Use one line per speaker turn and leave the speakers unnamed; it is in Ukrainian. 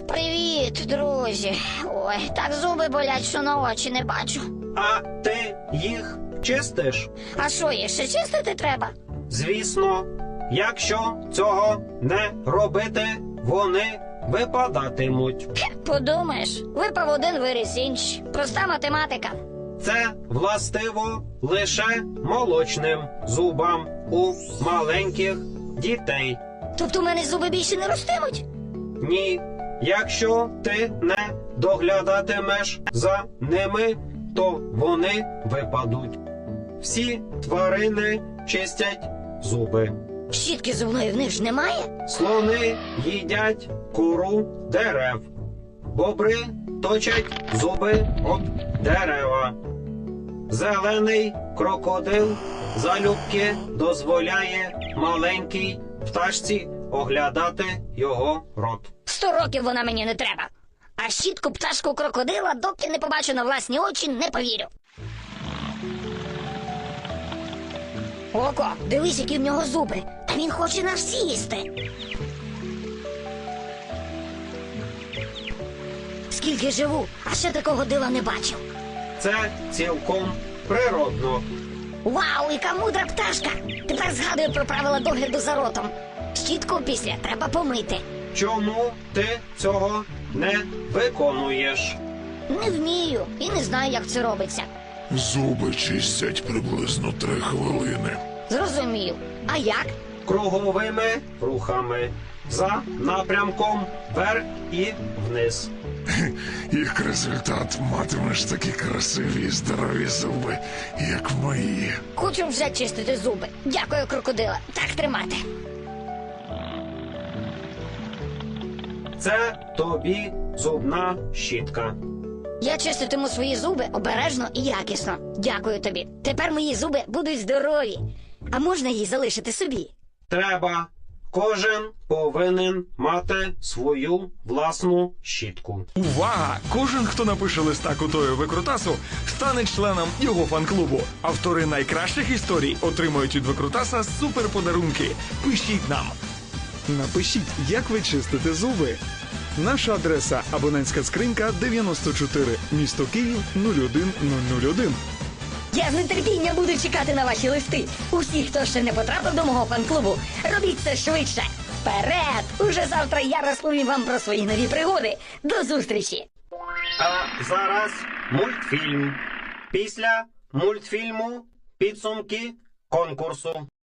Привіт, друзі. Ой, так зуби болять, що на очі не бачу.
А ти їх чистиш?
А що, їх ще чистити треба?
Звісно, якщо цього не робити, вони випадатимуть.
Подумаєш, випав один виріс інший. Проста математика.
Це властиво лише молочним зубам у маленьких дітей.
Тобто у мене зуби більше не ростимуть?
Ні, якщо ти не доглядатимеш за ними, то вони випадуть. Всі тварини чистять зуби.
Щітки зубної в них ж немає?
Слони їдять кору дерев. Бобри точать зуби об дерева. Зелений крокодил залюбки дозволяє маленькій пташці оглядати його рот.
100 років вона мені не треба. А щітку пташку крокодила, доки не побачу на власні очі, не повірю. Око, дивись, які в нього зуби. Та він хоче нас всі їсти. Скільки живу, а ще такого дива не бачив.
Це цілком природно.
Вау, яка мудра пташка! Тепер згадую про правила догляду за ротом. Щітку після треба помити.
Чому ти цього не виконуєш?
Не вмію і не знаю, як це робиться.
Зуби чистять приблизно 3 хвилини.
Зрозумів. А як?
Круговими рухами. За напрямком вверх і вниз.
Як результат матимеш такі красиві і здорові зуби, як мої.
Хочу вже чистити зуби. Дякую, крокодила. Так тримати.
Це тобі зубна щітка.
Я чиститиму свої зуби обережно і якісно. Дякую тобі. Тепер мої зуби будуть здорові. А можна її залишити собі?
Треба. Кожен повинен мати свою власну щітку.
Увага! Кожен, хто напише листа Кутою Викрутасу, стане членом його фан-клубу. Автори найкращих історій отримують від Викрутаса суперподарунки. Пишіть нам! Напишіть, як ви чистите зуби. Наша адреса – абонентська скринька 94, місто Київ 01001.
Я з нетерпінням буду чекати на ваші листи. Усі, хто ще не потрапив до мого фан-клубу, робіть це швидше. Вперед! Уже завтра я розповім вам про свої нові пригоди. До зустрічі!
А зараз мультфільм. Після мультфільму підсумки конкурсу.